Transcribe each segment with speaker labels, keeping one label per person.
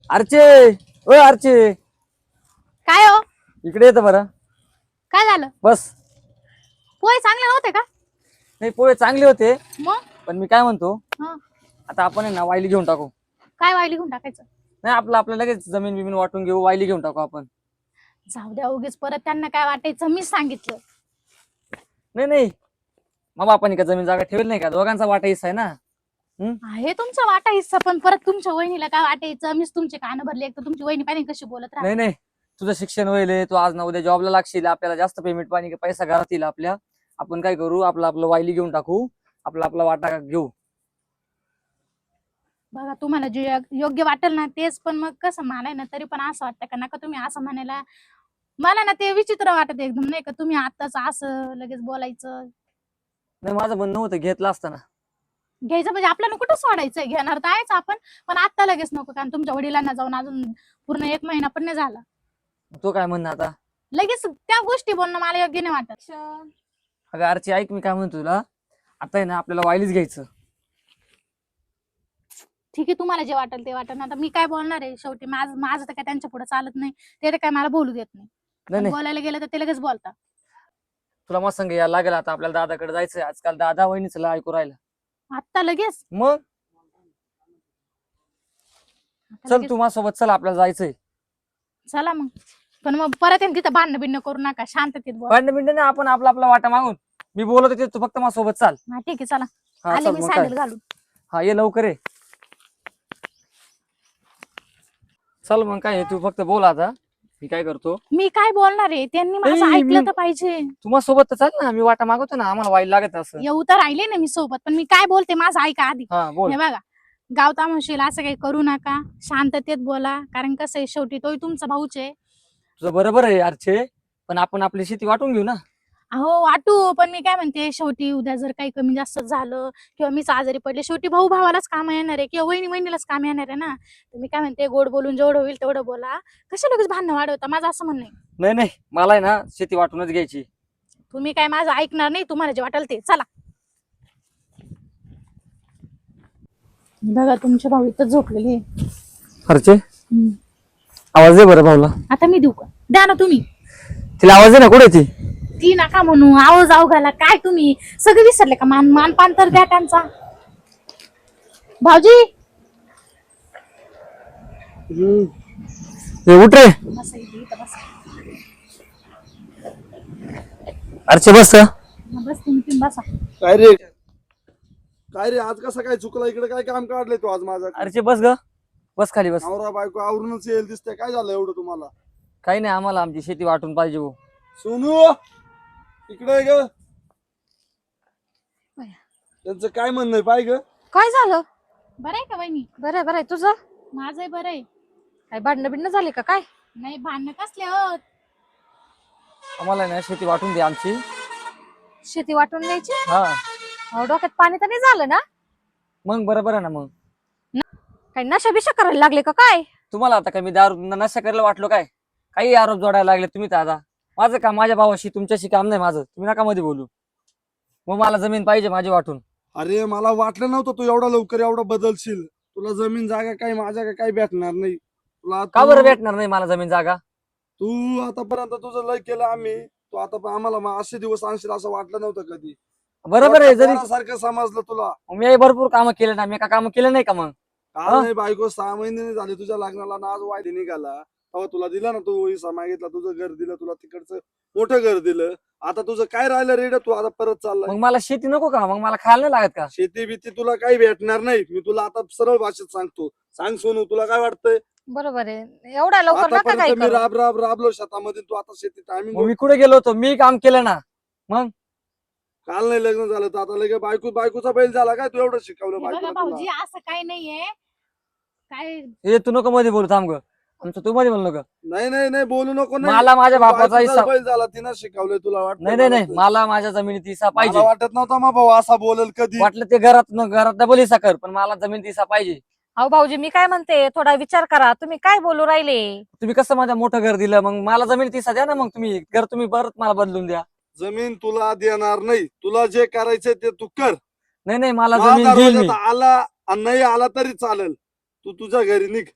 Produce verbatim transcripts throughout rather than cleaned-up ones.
Speaker 1: अर्चे, ओ अर्चे,
Speaker 2: काय हो?
Speaker 1: इकडे येतं बरं.
Speaker 2: काय झालं?
Speaker 1: बस.
Speaker 2: पोहे चांगले नव्हते का?
Speaker 1: नाही, पोहे चांगले होते,
Speaker 2: मग
Speaker 1: पण मी काय म्हणतो,
Speaker 2: हं,
Speaker 1: आता आपण आहे ना वायली घेऊन टाकू.
Speaker 2: काय वायली घेऊन टाकायचं?
Speaker 1: नाही, आपलं आपलं लगेच जमीन बिमीन वाटून घेऊ, वायली घेऊन टाकू आपण.
Speaker 2: जाऊ द्या, उगीच परत त्यांना काय वाटायचं मीच सांगितलं.
Speaker 1: नाही नाही, मग आपण का जमीन जागा ठेवेल नाही का? दोघांचा वाटा हिस्सा आहे ना. हम्म.
Speaker 2: आहे तुमचा वाटा हिस्सा, पण परत तुमच्या वहिनीला काय वाटायचं? मीच तुमचे कान भरले, एक तर तुमची वहिनी पाहिजे कशी बोलत
Speaker 1: नाही
Speaker 2: राहते.
Speaker 1: नाही, तुझं शिक्षण होईल, तू आज ना उद्या जॉबला लागशील, आपल्याला जास्त पेमेंट पाणी पैसा घरात येईल आपल्या. आपण काय करू, आपलं आपलं वायली घेऊन टाकू, आपला आपला वाटा घेऊ.
Speaker 2: बघा, तुम्हाला जे योग्य वाटेल ना तेच, पण मग कसं मला ना तरी पण असं वाटतं का नका तुम्ही असं म्हणायला. मला ना ते विचित्र वाटत एकदम, नाही का तुम्ही आताच असं लगेच बोलायचं.
Speaker 1: नाही, माझं म्हणणं होतं घेतलं असतं ना.
Speaker 2: घ्यायचं म्हणजे आपल्याला कुठं सोडायचंय, घेणार तर आहेच आपण, पण आता लगेच नको, कारण तुमच्या वडिलांना जाऊन अजून पूर्ण एक महिना पण नाही झाला.
Speaker 1: तो काय म्हणणं आता?
Speaker 2: लगेच त्या गोष्टी बोलणं मला योग्य नाही वाटत.
Speaker 1: अगं अर्ची, ऐक, मी काय म्हणतो तुला, आता आहे ना आपल्याला वायलीच घ्यायचं.
Speaker 2: ठीक आहे, तुम्हाला जे वाटेल ते वाटेल. आता मी काय बोलणार आहे, शेवटी माझं माझं तर काय त्यांच्या पुढे चालत नाही, ते तर काय मला बोलू देत नाही.
Speaker 1: नाही
Speaker 2: पण
Speaker 1: नाही,
Speaker 2: बोलायला गेलं तर ते लगेच बोलतात.
Speaker 1: तुला मग संग यायला लागेल आता, आपल्याला दादाकडे जायचंय. आजकाल दादा वहिनीच ऐकू राहिलं.
Speaker 2: आता लगेच
Speaker 1: मग
Speaker 2: आता
Speaker 1: चल,
Speaker 2: लगेच
Speaker 1: तू माझ्यासोबत चल, आपल्याला जायचंय.
Speaker 2: चला मग. पण मग परत येईन तिथं भांडण बिंड करू नका, शांततेत बोला.
Speaker 1: भांडण बिंड नाही, आपण आपला आपला वाटा मागून, मी बोलत होते, तू फक्त माझ्यासोबत चाल.
Speaker 2: हा ठीक आहे, चला.
Speaker 1: हा
Speaker 2: आले
Speaker 1: चल,
Speaker 2: मी
Speaker 1: मग काय.
Speaker 2: सँडल घालून.
Speaker 1: हा, ये लवकर ये. चल मग काय, तू फक्त बोल आता, मी काय करतो.
Speaker 2: मी काय बोलणार आहे, त्यांनी माझं
Speaker 1: नाही,
Speaker 2: ऐकलं
Speaker 1: मी-
Speaker 2: तर पाहिजे.
Speaker 1: तू माझ्यासोबत तर चाल ना, मी वाटा मागवतो ना, आम्हाला वाईट लागत असं.
Speaker 2: येऊ तर राहिले ना मी सोबत, पण मी काय बोलते माझं ऐका आधी.
Speaker 1: हा बोल.
Speaker 2: हे बघा, गाव तामोशील असं काही करू नका, शांततेत बोला, कारण कसं आहे शेवटी तोही तुमचा भाऊच आहे.
Speaker 1: तुझं बरोबर आहे अर्चे, पण आपण आपली शेती वाटून घेऊ ना.
Speaker 2: अहो वाटू, पण मी काय म्हणते, शेवटी उद्या जर काही कमी जास्त झालं किंवा मीच आजारी पडले, शेवटी भाऊ भावालाच काम येणार आहे किंवा वहिनी वहिनीलाच काम येणार आहे ना. तर मी काय म्हणते, गोड बोलून जेवढं होईल तेवढं बोला, कशा लगेच भांडणं वाढवता, माझं असं म्हणणं आहे.
Speaker 1: नाही नाही, मला आहे ना शेती वाटूनच घ्यायची.
Speaker 2: तुम्ही काय माझं ऐकणार नाही, तुम्हाला जे वाटेल ते. चला. बघा, तुमचे भाऊ इथं झोपलेले.
Speaker 1: अर्चे, आवाज दे बरं भाऊला.
Speaker 2: आता मी देऊ का? द्या ना तुम्ही.
Speaker 1: तिला आवाज दे ना, कुठे ती?
Speaker 2: ती नका म्हणू, आहो जाऊ घाला, काय तुम्ही सगळे विसरले का? मान मानपान तर द्या त्यांचा. भाऊजी
Speaker 1: ए, उठ रे.
Speaker 2: बसा इथे, इथं बसा.
Speaker 1: अर्चे बस.
Speaker 2: हा, बस तुम्ही तुम्ही बसा.
Speaker 3: काय रे काय रे आज कसं काय चुकला? इकडे काय काम काढलंय तू आज माझा?
Speaker 1: अर्चे बस ग, बस खाली बस.
Speaker 3: नवरा बायको आवरूनच येईल दिसतंय. काय झालं एवढं तुम्हाला?
Speaker 1: काही नाही, आम्हाला आमची शेती वाटून पाहिजे हो.
Speaker 3: सोनू इकडे ग. त्यांचं काय म्हणणं आहे पाय ग?
Speaker 4: काय झालं?
Speaker 2: बरं आहे का वहिनी?
Speaker 4: बरं बरं तुझं
Speaker 2: माझंही बरं आहे.
Speaker 4: काय भांडणं बिंडणं झाले का काय?
Speaker 2: नाही, भांडणं कसले होत.
Speaker 1: आम्हाला ना शेती वाटून दे आमची.
Speaker 4: शेती वाटून द्यायची?
Speaker 1: हा,
Speaker 4: अहो, डोक्यात पाणी तर नाही झालं ना?
Speaker 1: मग बरोबर आहे ना. मग
Speaker 4: काही नशा बिशा करायला लागले का काय?
Speaker 1: तुम्हाला आता काय मी दारू नशा करायला वाटलो काय? काही आरोप जोडायला लागले तुम्ही दादा. माझं काम माझ्या भावाशी, तुमच्याशी काम नाही माझं. तुम्ही नका मध्ये बोलू. मग मला जमीन पाहिजे माझी वाटून.
Speaker 3: अरे मला वाटलं नव्हतं तू एवढा लवकर एवढा बदलशील. तुला जमीन जागा काही माझ्या का काही भेटणार नाही तुला.
Speaker 1: का
Speaker 3: तू-
Speaker 1: बरं भेटणार नाही मला जमीन जागा?
Speaker 3: तू आतापर्यंत तुझं लय केलं आम्ही. तू आता पण आम्हाला मग असे दिवस आणशील असं वाटलं नव्हतं कधी.
Speaker 1: बरोबर आहे. जरी
Speaker 3: सारखं समजलं तुला.
Speaker 1: मी भरपूर कामं केले ना, मी का कामं केलं नाही का? मग
Speaker 3: काल नाही बायको सहा महिने झाले तुझ्या लग्नाला ना, आज वायदे निघाला तेव्हा तुला दिला ना, तू हिस्सा मागितला, तुझं घर दिलं, तुला तिकडचं मोठं घर दिलं. आता तुझं काय राहिलं रेड? तू आता परत चाललाय.
Speaker 1: मग मला शेती नको का? मग मला खायला नाही लागत का?
Speaker 3: शेती बिती तुला काही भेटणार नाही. मी तुला आता सरळ भाषेत सांगतो. सांग सोनू, तुला काय वाटतंय?
Speaker 4: बरोबर आहे, एवढा लवकर नका काय
Speaker 3: आतापर्यंत मी
Speaker 4: करू.
Speaker 3: राब राब राबलो शेतामध्ये, तू आता शेती
Speaker 1: मग
Speaker 3: टायमिंग.
Speaker 1: मी कुठे गेलो होतो? मी काम केलं ना.
Speaker 3: काल नाही लग्न झालं तर आता लगे बायको बायकोचा बैल झाला काय? तू एवढं शिकवलं
Speaker 2: हे बघा
Speaker 3: बायकोला
Speaker 2: भाऊजी,
Speaker 3: तुला?
Speaker 2: असं काही नाहीये. काय
Speaker 1: हे तू नको मध्ये बोलू, थांब ग. आमचं तू मध्ये बोलू नका.
Speaker 3: नाही नाही नाही बोलू नको. नाही
Speaker 1: मला माझ्या
Speaker 3: तू
Speaker 1: बापाचा
Speaker 3: बायकोचाच
Speaker 1: हिस्सा.
Speaker 3: बैल झाला, तिनं शिकवलंय तुला वाटतं?
Speaker 1: नाही नाही नाही,
Speaker 3: मला
Speaker 1: मला माझ्या जमिनीत हिस्सा पाहिजे.
Speaker 3: वाटत नव्हता मग भाऊ असा बोलेल कधी.
Speaker 1: वाटलं ते घरात घरात डबल हिस्सा कर, पण मला जमीन हिस्सा पाहिजे.
Speaker 4: अहो भाऊजी, मी काय म्हणते, थोडा विचार करा. तुम्ही काय बोलू राहिले?
Speaker 1: तुम्ही कसं माझ्या मोठं घर दिलं, मग मला जमीन हिस्सा द्या ना. मग तुम्ही घर तुम्ही परत मला बदलून द्या.
Speaker 3: जमीन तुला देणार नाही. तुला जे करायचंय ते तू कर.
Speaker 1: नाही नाही, मला
Speaker 3: मला
Speaker 1: जमीन घेईल मी.
Speaker 3: दरवाजात आला आणि नाही आला तरी चालेल. तू तुझ्या घरी निघ.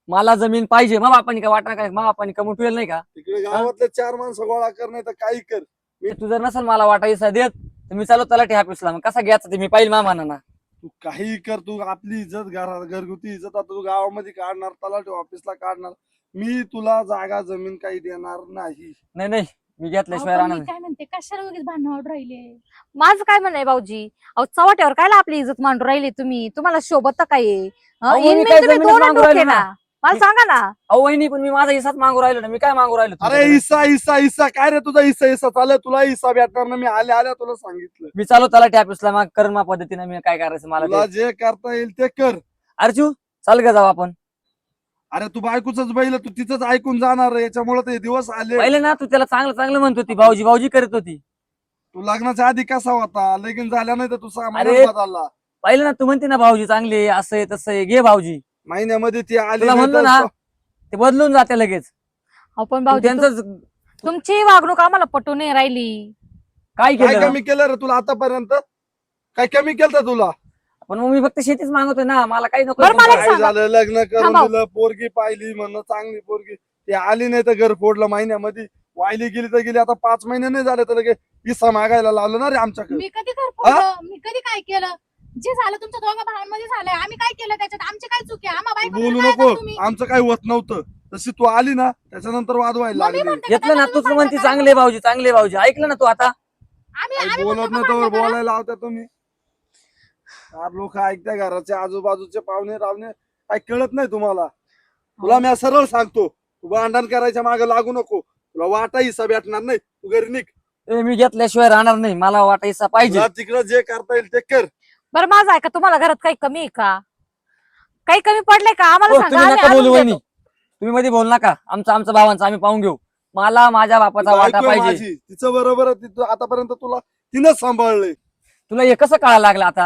Speaker 1: मला जमीन पाहिजे. मग बापानी काय वाटणार काय? मग बापानी कमवून ठेवलं नाही का?
Speaker 3: तिकडे गावातले चार माणसं गोळा कर, नाही तर काही कर.
Speaker 1: तू जर नसेल मला वाटा हिस्सा देत तर मी चालू तलाठी ऑफिसला. मग कसा घ्यायचा ते मी पाहिजे मामाना ना.
Speaker 3: तू काही कर, तू आपली इज्जत घरात घरगुती इज्जत आता तू गावामध्ये काढणार, तलाठी ऑफिसला काढणार. मी तुला जागा जमीन काही देणार नाही.
Speaker 1: नाही नाही मी
Speaker 2: अहो,
Speaker 1: घेतल्याशिवाय
Speaker 2: पण
Speaker 1: राहणार
Speaker 2: मी
Speaker 1: नाही.
Speaker 2: काय म्हणते कशाला उगीच भांडण वाढ राहिले.
Speaker 4: माझं काय म्हणणं आहे भाऊजी, अहो चव्हाट्यावर कायला आपली इज्जत मांडून राहिली तुम्ही? तुम्हाला शोभत काय आहे? हं?
Speaker 1: अहो, मी
Speaker 4: इनमेन
Speaker 1: काय
Speaker 4: तुम्ही
Speaker 1: जमीनच
Speaker 4: दोन
Speaker 1: मागू
Speaker 4: डोके
Speaker 1: राहिलो
Speaker 4: ना.
Speaker 1: ना.
Speaker 4: मला सांगा ना.
Speaker 1: अहो वहिनी पण मी माझा हिस्साच मागू राहिलो ना. मी काय मागू राहिलो
Speaker 3: अरे
Speaker 1: तुमच्याकडे?
Speaker 3: हिस्सा हिस्सा हिस्सा काय रे तुझा हिस्सा हिस्सा चालू तुला हिस्सा भेटणार ना. मी आल्या आल्या तुला सांगितलं,
Speaker 1: मी चालू तलाठी ऑफिसला. मग कर्मा पद्धतीने मी काय करायचं मला
Speaker 3: तुला
Speaker 1: ते.
Speaker 3: जे करता येईल ते कर.
Speaker 1: अर्जू चाल ग जाऊ आपण.
Speaker 3: अरे तू बायकोच बैल, तू तिचंच ऐकून जाणार. याच्यामुळे ते दिवस आले.
Speaker 1: पहिले ना तू त्याला चांगलं चांगलं म्हणत होती, भाऊजी भाऊजी करत होती.
Speaker 3: तू लग्नाच्या आधी कसा होता, लगीन झाल्या नाही तर तू सहा
Speaker 1: अरे.
Speaker 3: महिन्यात बदलला.
Speaker 1: पहिले ना तू म्हणते ना भाऊजी चांगले असं आहे तसं आहे, घे भाऊजी.
Speaker 3: महिन्यामध्ये ती आली
Speaker 1: तुला
Speaker 3: नाही
Speaker 1: म्हणलो
Speaker 3: तर
Speaker 1: ना ते बदलून जाते लगेच.
Speaker 4: अहो पण
Speaker 1: तू
Speaker 4: भाऊजी
Speaker 1: त्यांचं
Speaker 4: तु- तुमची वागणूक आम्हाला पटू नाही राहिली.
Speaker 1: काय
Speaker 3: काय
Speaker 1: केलं?
Speaker 3: कमी केलं रे तुला आतापर्यंत? काय कमी केलं तुला?
Speaker 1: पण मग मी फक्त शेतीच मागवतोय ना. मला काही नको.
Speaker 4: बरं, मला एक
Speaker 3: काय
Speaker 4: सांगा.
Speaker 3: झालं, लग्न करून
Speaker 4: थांबा.
Speaker 3: दिलं, पोरगी पाहिली म्हणणं चांगली पोरगी, ती आली नाही तर घर फोडलं महिन्यामध्ये. वायली गेली तर गेली. आता पाच महिने नाही झाले तर लगे हिस्सा मागायला लावलं ना रे आमच्याकडे.
Speaker 2: मी कधी घर फोडलं? मी कधी काय केलं? जे झालं तुमच्या दोघा भावांमध्ये झालंय. आम्ही काय केलं त्याच्यात? आमची काय चुकी आहे? आम्हा बायकोला
Speaker 3: बोलू
Speaker 2: काय
Speaker 3: नको,
Speaker 2: करता तुम्ही?
Speaker 3: आमचं काही होत नव्हतं. तशी तू आली ना त्याच्यानंतर वाद व्हायला
Speaker 2: मग मी
Speaker 3: लागले.
Speaker 2: म्हणते का
Speaker 1: घेतलं ना
Speaker 2: त्याला
Speaker 1: तूच
Speaker 2: तुम्ही
Speaker 1: म्हणते
Speaker 2: भांडण
Speaker 1: चांगले
Speaker 2: करा?
Speaker 1: भाऊजी चांगले भाऊजी. ऐकलं ना तू आता?
Speaker 2: आम्ही
Speaker 3: काही
Speaker 2: आम्ही
Speaker 3: बोलत
Speaker 2: म्हणतो
Speaker 3: नाही
Speaker 2: का
Speaker 3: तर
Speaker 2: भांडण करा?
Speaker 3: बोलायला लावता तुम्ही. चार लोक ऐकत्या, घराचे आजूबाजूचे पाहुणे रावणे, काय कळत नाही तुम्हाला? तुला मी सरळ सांगतो, तू भांडण करायच्या मागे लागू नको. तुला वाटा हिस्सा भेटणार नाही. तू घरी निघ.
Speaker 1: ए, मी घेतल्याशिवाय राहणार नाही. मला वाटा हिस्सा पाहिजे.
Speaker 3: तुला तिकडं जे करता येईल ते कर.
Speaker 4: बरं माझं आहे का? तुम्हाला घरात काही कमी आहे का? काही कमी पडलंय का? आम्हाला
Speaker 1: हो,
Speaker 4: सांगा,
Speaker 1: तुम्ही
Speaker 4: आम्ही
Speaker 1: नका
Speaker 4: आणून
Speaker 1: बोलू वहिनी.
Speaker 4: देतो.
Speaker 1: तुम्ही मध्ये बोल नका. आमचं आमचं भावांचं आम्ही पाहून घेऊ. मला माझ्या बापाचा वाटा
Speaker 3: बायको आहे
Speaker 1: पाहिजे.
Speaker 3: माझी, तिचं बरोबर आहे. तिचं आतापर्यंत तुला तिनंच सांभाळलंय.
Speaker 1: तुला हे कसं कळायला लागलं आता?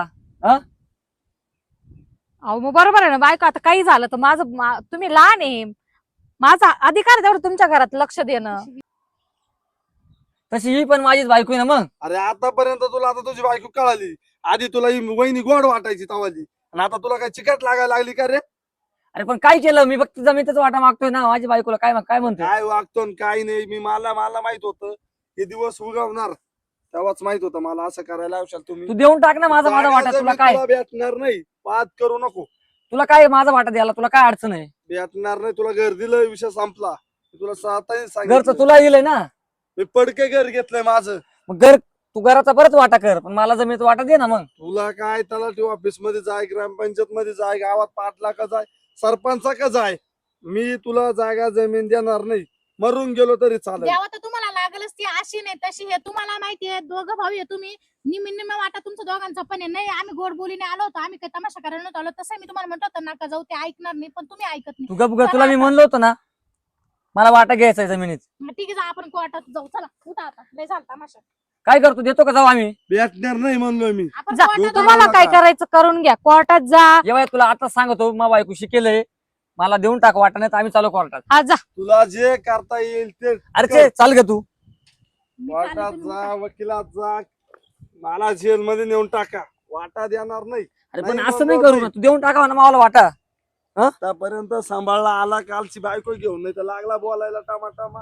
Speaker 4: अहो मग बरोबर आहे ना बायको. आता काही झालं तर माझं मा- तुम्ही लहान आहे. माझा अधिकार आहे तेवढं तुमच्या घरात लक्ष देणं.
Speaker 1: तशी ही पण माझीच बायको आहे ना. मग
Speaker 3: अरे आतापर्यंत तुला आता तुझी बायको कळाली. आधी तुला ही वहिनी गोड वाटायची तवाली, आणि आता तुला काय चिकट लागायला लागली का रे?
Speaker 1: अरे पण काय केलं मी? फक्त जमीनच वाटा मागतोय ना. माझी बायकोला काय काय म्हणतोय?
Speaker 3: काय वागतो आणि काय नाही, मी मला मला माहित होतं हे दिवस उगवणार. तेव्हाच माहित होतं मला असं करायला लावशाल तुम्ही.
Speaker 1: तू देऊन टाक ना माझा माझा
Speaker 3: जागा
Speaker 1: वाटा. तुला
Speaker 3: जमीन
Speaker 1: काय
Speaker 3: तुला भेटणार नाही. वाद करू नको.
Speaker 1: तुला काय माझा वाटा द्यायला तुला काय अडचण आहे?
Speaker 3: भेटणार नाही. तुला घर दिलं, विषय संपला. मी तुला स्वतःही
Speaker 1: घरचं
Speaker 3: सांगितलं.
Speaker 1: तुला येईल ना.
Speaker 3: मी पडके घर घेतलंय माझं.
Speaker 1: मग घर तू घराचा परत वाटा कर, पण मला जमीन वाटा दे ना. मग
Speaker 3: तुला काय त्याला ठेव, ऑफिस मध्ये जाय, ग्रामपंचायत मध्ये जाय, गावात पाटला का जाय, सरपंचा का जाय, मी तुला जागा जमीन देणार नाही. मरून गेलो तरी चालेल.
Speaker 2: देवा तर तुम्हाला लागलच ती अशी नाही तशी हे तुम्हाला माहितीये. दोघं भाऊ आहे तुम्ही. निम्मी निम्मे वाटा तुमचा दोघांचा पण आहे. नाही आम्ही गोड बोलीने आलो होतो. आम्ही काही तमाशा करायला नव्हतो आलो. तसं मी तुम्हाला म्हणतो होतं नका जाऊ, ते ऐकणार नाही. पण तुम्ही ऐकत नाही.
Speaker 1: तू गप ग. तुला मी म्हणलो होतो ना मला वाटा घ्यायचा आहे जमिनीत.
Speaker 2: मग ठीक आहे जा, आपण कोर्टात जाऊ. चला उठा आता. लय झालं तमाशा.
Speaker 1: काय करतो? देतो का जाऊ आम्ही?
Speaker 3: भेटणार नाही म्हणलोय मी.
Speaker 2: आपण
Speaker 4: जा,
Speaker 2: कोर्टात जाऊ.
Speaker 4: तुम्हाला काय
Speaker 3: नका.
Speaker 4: करायचं करून घ्या. कोर्टात जा.
Speaker 1: जेव्हा तुला आता सांगतो मग बायको शिकेलय. मला देऊन टाक वाटा, नाही तर आम्ही चालू कोर्टात.
Speaker 4: हा जा.
Speaker 3: तुला जे करता येईल ते
Speaker 1: अरे ते चाल ग तू.
Speaker 2: मी चालले,
Speaker 3: कोर्टात
Speaker 2: तुम्ही
Speaker 3: जा,
Speaker 2: उठा.
Speaker 3: वकिलात जा, मला जेल मध्ये नेऊन टाका. वाटा देणार नाही.
Speaker 1: अरे पण
Speaker 3: नाही
Speaker 1: असं नाही
Speaker 3: म्हणलो
Speaker 1: करू ना.
Speaker 3: नाही.
Speaker 1: तू देऊन टाकावा ना मला वाटा.
Speaker 3: आतापर्यंत सांभाळला आला, कालची बायको घेऊन नाही तर लागला बोलायला टामाटामा.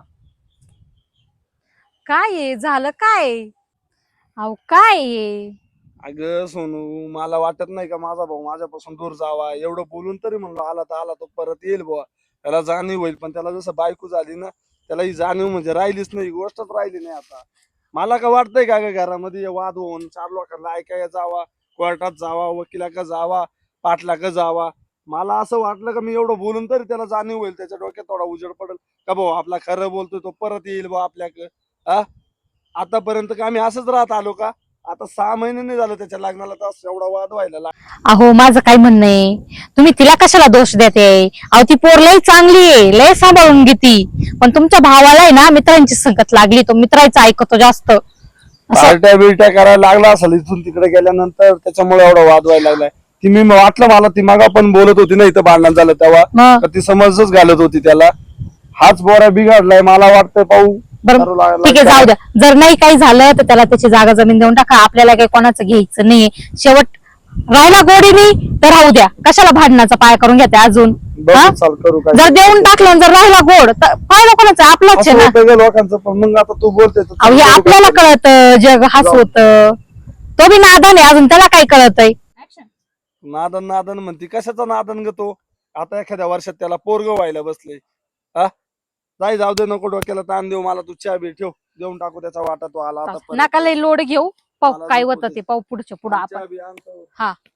Speaker 4: काय आहे? झालं काय? अहो काय आहे?
Speaker 3: अगं सोनू, मला वाटत नाही का माझा भाऊ माझ्यापासून दूर जावा. एवढं बोलून तरी म्हणलो आला तर आला, तो परत येईल बुवा, त्याला जाणीव होईल. पण त्याला जसं बायको झाली ना, त्याला ही जाणीव म्हणजे राहिलीच नाही. गोष्टच राहिली नाही. आता मला का वाटतंय का ग घरामध्ये हे वाद होऊन चार लोकांना ऐकायला जावा, कोर्टात जावा, वकिला का जावा, पाटला का जावा. मला असं वाटलं का मी एवढं बोलून तरी त्याला जाणीव होईल, त्याच्या डोक्यात थोडा उजेड पडेल का भाऊ आपला खरं बोलतोय, तो परत येईल बा आपल्याकडे. हा आतापर्यंत का आम्ही असंच राहत आलो का? आता सहा महिने नाही झालं त्याच्या लग्नाला तर एवढा वाद व्हायला लागला.
Speaker 4: अहो माझं काय म्हणणं आहे, तुम्ही तिला कशाला दोष देते? अहो ती पोर लय चांगली आहे, लय सांभाळून घेती. पण तुमच्या भावाला आहे ना मित्रांची संगत लागली, तो मित्रांचं ऐकतो जास्त. असं
Speaker 3: पार्ट्या बिरट्या करायला लागला असेल इथून तिकडे गेल्यानंतर, त्याच्यामुळे एवढा वाद व्हायला लागलाय. ती मी वाटलं मला ती मागा पण बोलत होती ना इथं भांडण झालं तेव्हा,
Speaker 4: मग
Speaker 3: तर ती समजच घालत होती त्याला. हाच बोरा बिघडलाय मला वाटतंय. पाहू
Speaker 4: बरं
Speaker 3: करू लागला.
Speaker 4: ठीक आहे, जाऊ द्या. जर नाही काही झालं तर त्याला त्याची जागा जमीन देऊन टाका. आपल्याला काही कोणाचं घ्यायचं नाही. शेवट राहिला गोडीनी तर राहू द्या. कशाला भांडणाचा पाय करून घेते अजून?
Speaker 3: बघू चाल करू काय
Speaker 4: जर देऊन टाकलं जर राहिला गोड तर फायदा कोणाचा आपलाच आहे
Speaker 3: असं
Speaker 4: ना.
Speaker 3: होतं ग लोकांचं. पण मग आता तू बोलते तर
Speaker 4: अहो हे
Speaker 3: करू
Speaker 4: आपल्याला
Speaker 3: काय?
Speaker 4: कळत जग हसवत, तो बी नादान आहे अजून, त्याला काय कळतंय.
Speaker 3: नादन नादन म्हणती, कशाचा नादन ग तो? आता एखाद्या वर्षात त्याला पोरग व्हायला बसले. हा जाई जाऊ दे, नको डोक्याला ताण देऊ. मला तू चहा बी ठेव, देऊन टाकू त्याचा वाटा. तो आला आता परत.
Speaker 4: नका लय लोड घेऊ, पाहू
Speaker 3: मला
Speaker 4: काय
Speaker 3: नको
Speaker 4: होतं
Speaker 3: ते.
Speaker 4: ते, पाहू पुढच्या पुढं
Speaker 3: आणि
Speaker 4: आपण.
Speaker 3: चहा बी आणतो.
Speaker 4: हा